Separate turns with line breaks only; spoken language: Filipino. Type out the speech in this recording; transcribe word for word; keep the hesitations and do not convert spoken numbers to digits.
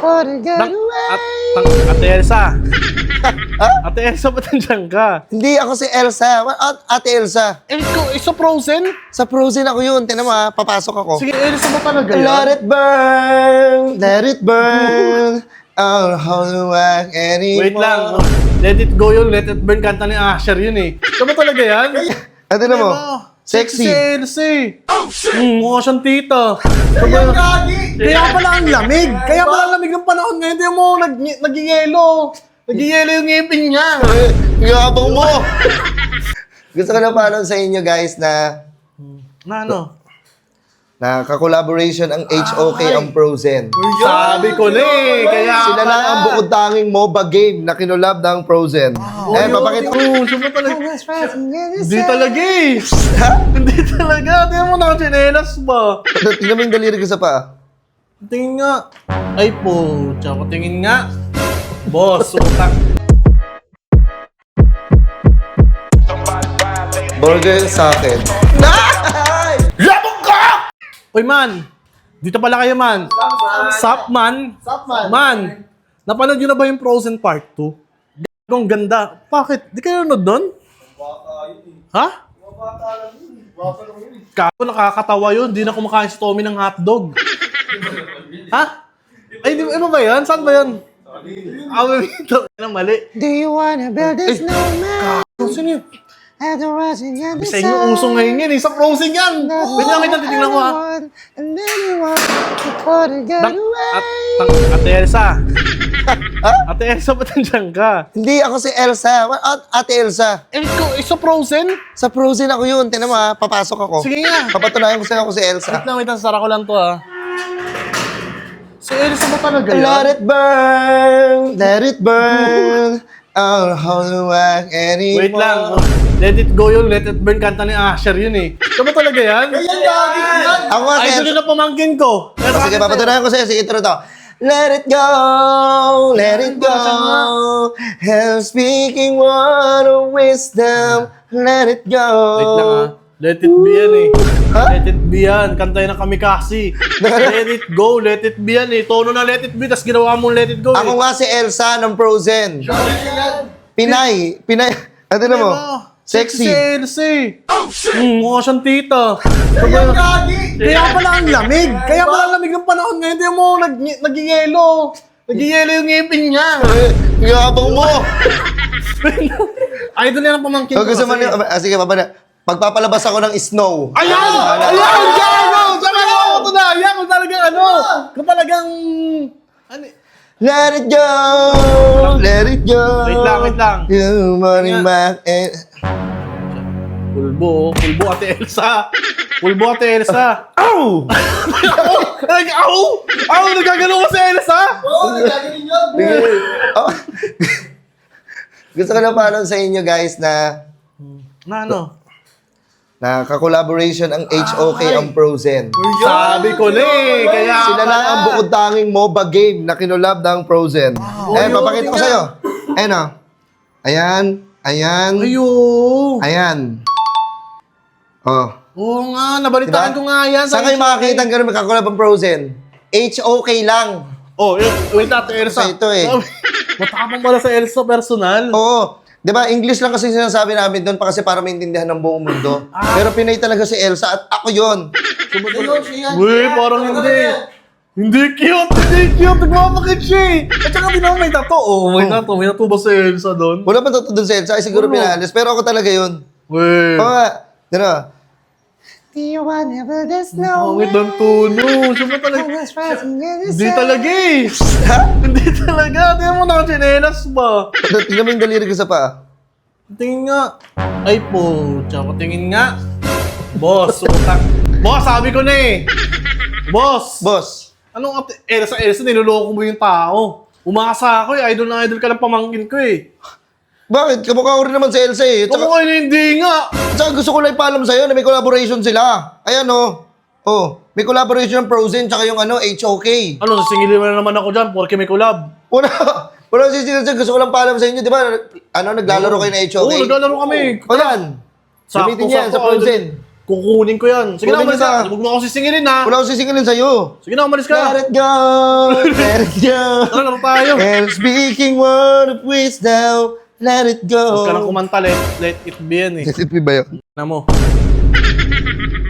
Tang, at, tang, Ate Elsa. Ate Elsa, ba't nandiyan ka?
Hindi ako si Elsa. At Ate Elsa.
Eh, ikaw, isa Frozen?
Sa Frozen ako yun. Tinan mo ha, papasok ako.
Sige, Elsa ba talaga yan?
Let it burn, let it burn. I'll hold you back anymore.
Wait lang. Let it go yun, let it burn. Kanta ni Asher yun eh. Ikaw ba talaga yan?
Ano na mo?
Diba?
Sexy.
Si Elsa eh. Oh, shit! Hmm, mukha siyang tita.
Kaya gagi.
Kaya pala ang lamig. Kaya pala ang lamig ng panahon ngayon. Tingnan mo, nag nagiyelo. Nagiyelo yung ngipin niya.
Yabang mo. Gusto ko na paano sa inyo guys na
Na ano?
na ka-collaboration ang H O K ang Frozen.
Sabi ko na eh. Kaya
Sila lang ang bukod tanging MOBA game na kinolab ng Frozen. Eh, papakita ko.
Oh, siya ba talaga? Hindi talaga eh. Hindi talaga. Tingnan mo, nakachinelas ba?
Tingnan mo yung daliri ko sa paa.
Tingin nga. Ay po, tsaka tingin nga. Boss, utak.
Burger sa akin.
Labog ka! Uy man, dito pala kayo man. Sup man?
Sup, man?
Man, napanood nyo na ba yung Frozen Part two? Gagong ganda. Bakit? Di kayo nanood nun? Ha? Kako, nakakatawa yun. Di na kumakain si Tommy ng hotdog. Ha? Ay, di ano ba yan? Saan ba yan? Ah, ito. Ano, mali.
Do you wanna build a snowman?
Kako, sino yun?
At the rising of the
Sa inyo, uso ngayon yan eh. Sa Frozen yan. Wait lang, wait lang. Titignan ko ha.
And then you want to call it get
Tang,
away.
at, tang, Ate Elsa. Ate Elsa, ba't nandiyan ka?
Hindi ako si Elsa. At Ate Elsa.
Eh, ikaw, isa Frozen?
Sa Frozen ako yun. Tinan mo ha, papasok ako.
Sige nga.
Papatunayan ko sa'yo ako si Elsa.
Wait lang, wait lang. Sara ko lang to ha. Si Elsa ba talaga yan?
Let it burn, let it burn. I'll hold you back anymore.
Wait lang. Let it go yun, let it burn. Kanta ni Asher yun eh. Ikaw ba talaga yan?
Ako nga si
Idol
Elsa.
yun na pamangkin ko.
Oh, sige, papatunayan ko sa'yo. Sige, intro to. Let it go, let it go. I'm speaking word of wisdom. Let it go.
Wait lang ha. Let it be yan eh.
Ha?
Let it be yan. Kanta yun ng Kamikasi. Let it go, let it be yan eh. Tono na let it be, tas ginawa mong let it go eh.
Ako nga si Elsa ng Frozen. Pinay. Pinay. Ano na mo? Sexy.
Si Elsa eh. Oh, shit! Hmm, mukha siyang tita. Kaya Kaya pala ang lamig. Kaya pala ang lamig ng panahon ngayon. Tingnan mo, nag nagiyelo. Nagiyelo yung ngipin niya.
Yabang mo.
Idol yan ang pamangkin
Kung
ko.
gusto mo
kasi.
niyo, ah, sige, babana. Pagpapalabas ako ng snow.
Ayan! Ayan! Gago! Sabi ko, ito na! Ayan! Kung talagang ano! Kung talagang... Ano?
Let it go, let it go.
Wait lang, wait lang.
You money
Nga.
back and...
Pulbo, oh. Pulbo Ate Elsa. Pulbo Ate Elsa.
Ow!
Nag, aw! Aw! Nagagano ko si Elsa!
Oh. Gusto ko na paano sa inyo guys na
Na ano?
na ka-collaboration ang H O K ang Frozen.
Sabi ko na eh. Kaya
Sila lang ang bukod tanging MOBA game na kinolab ng Frozen. Eh, papakita ko sa'yo. Ayan o. Ayan. Ayan.
Ayo!
Ayan. Oh.
Oo nga, nabalitaan
Diba?
ko nga yan.
Saan kayo makakita ang ganun magkakulab ang Frozen? H O K lang.
Oh, eh, wait Ate Elsa.
Kasi ito eh.
Matapang pala sa Elsa personal.
Oo. Di ba, English lang kasi sinasabi namin doon pa kasi para maintindihan ng buong mundo. Pero Pinay talaga si Elsa at ako yun.
Uy, parang hindi. Hindi cute, hindi cute. Nagmamakit siya eh. At saka di naman may tato. Oh, may tato. May tato ba si Elsa doon?
Wala pa totoo doon si Elsa. Ay, siguro
Wala.
pinalis. Pero ako talaga yun.
Uy.
Oo nga. Ano?
Do you wanna build a
Pangit
snowman?
ng tono. Siya ba talaga?
Always rising in the
Hindi
sun.
talaga eh.
Ha?
Hindi talaga. Tingnan mo, nakachinelas ba?
Tingnan mo yung daliri ko sa paa.
Tingin nga. Ay po, tsaka tingin nga. Boss, utak. Boss, sabi ko na eh. Boss.
Boss.
Anong ate? Elsa, Elsa, niloloko mo yung tao. Umasa ako eh. Idol na idol ka ng pamangkin ko eh.
Bakit? Kamukha ko rin naman si Elsa eh.
Tsaka,
Tsaka,
hindi nga.
tsaka gusto ko lang ipaalam sa'yo na may collaboration sila. Ayan o. Oh. May collaboration ng Frozen tsaka yung ano, H O K.
Ano, sasingilin mo na naman ako dyan porque may collab.
Wala. Wala si Sino Gusto ko lang paalam sa inyo. Di ba? Ano, naglalaro kayo ng H O
Oo,
K?
naglalaro kami.
O yan.
Sakto,
Gamitin niya yan
sakto,
sa Frozen.
Kukunin ko yan. Sige na,
Kunin
umalis
kita.
ka. Huwag mo ako sisingilin ha.
Wala akong sisingilin sa'yo.
Sige na, umalis ka.
Let it go, let it go.
Tara, laro tayo.
And speaking word of wisdom, let it
Huwag ka nang
go.
kumanta, let, let it be yan eh.
Let it be ba yun?
Na mo.